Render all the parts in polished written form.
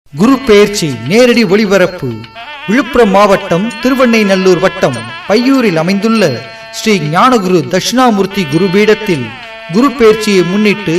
குரு பெயர்ச்சி நேரடி ஒளிபரப்பு விழுப்புரம் மாவட்டம் திருவெண்ணைநல்லூர் வட்டம் பையூரில் அமைந்துள்ள ஸ்ரீ ஞானகுரு தட்சிணாமூர்த்தி குருபீடத்தில் குரு பெயர்ச்சியை முன்னிட்டு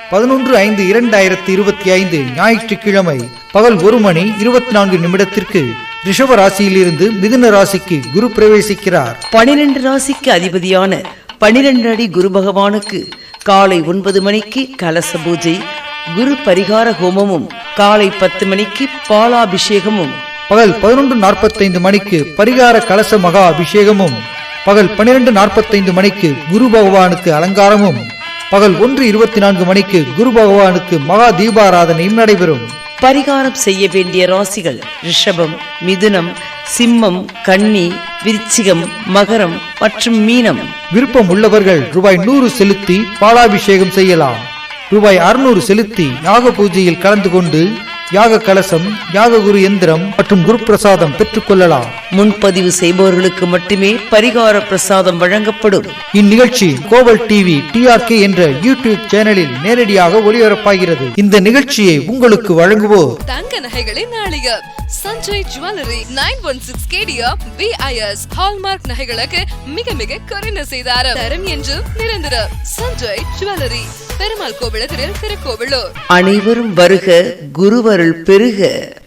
11/5/2025 ஞாயிற்றுக்கிழமை பகல் 1:24 ரிஷப ராசியிலிருந்து மிதுன ராசிக்கு குரு பிரவேசிக்கிறார். 12 ராசிக்கு அதிபதியான 12 அடி குரு பகவானுக்கு காலை 9 மணிக்கு கலச பூஜை, குரு பரிகார ஹோமமும், காலை 10 மணிக்கு பாலாபிஷேகமும், பகல் 11:45 பரிகார கலச மகா அபிஷேகமும், பகல் 12:45 குரு பகவானுக்கு அலங்காரமும், பகல் 1:24 குரு பகவானுக்கு மகா தீபாராதனையும் நடைபெறும். பரிகாரம் செய்ய வேண்டிய ராசிகள் ரிஷபம், மிதுனம், சிம்மம், கன்னி, விருச்சிகம், மகரம் மற்றும் மீனம். விருப்பம் உள்ளவர்கள் ரூபாய் 100 செலுத்தி பாலாபிஷேகம் செய்யலாம். ரூபாய் 600 செலுத்தி யாக பூஜையில் கலந்து கொண்டு யாக கலசம், யாக குரு எந்திரம் மற்றும் குரு பிரசாதம் பெற்றுக் கொள்ளலாம். முன்பதிவு செய்பவர்களுக்கு மட்டுமே பரிகார பிரசாதம் வழங்கப்படும். இந்நிகழ்ச்சி கோவல் டிவி TRK என்ற யூடியூப் சேனலில் நேரடியாக ஒளிபரப்பாகிறது. இந்த நிகழ்ச்சியை உங்களுக்கு வழங்குவோர் தங்க நகைகளின் நாளிகை Sanjay jewellery 916 KDR BIS hallmark நகைகளுக்கு மிக மிக குறைந்த செய்தாரம், தரம் என்று நிரந்தர சஞ்சய் ஜுவல்லரி, பெருமாள் கோவிலத்தில் திருக்கோவிலூர். அனைவரும் வருக, குருவருள் பெருக.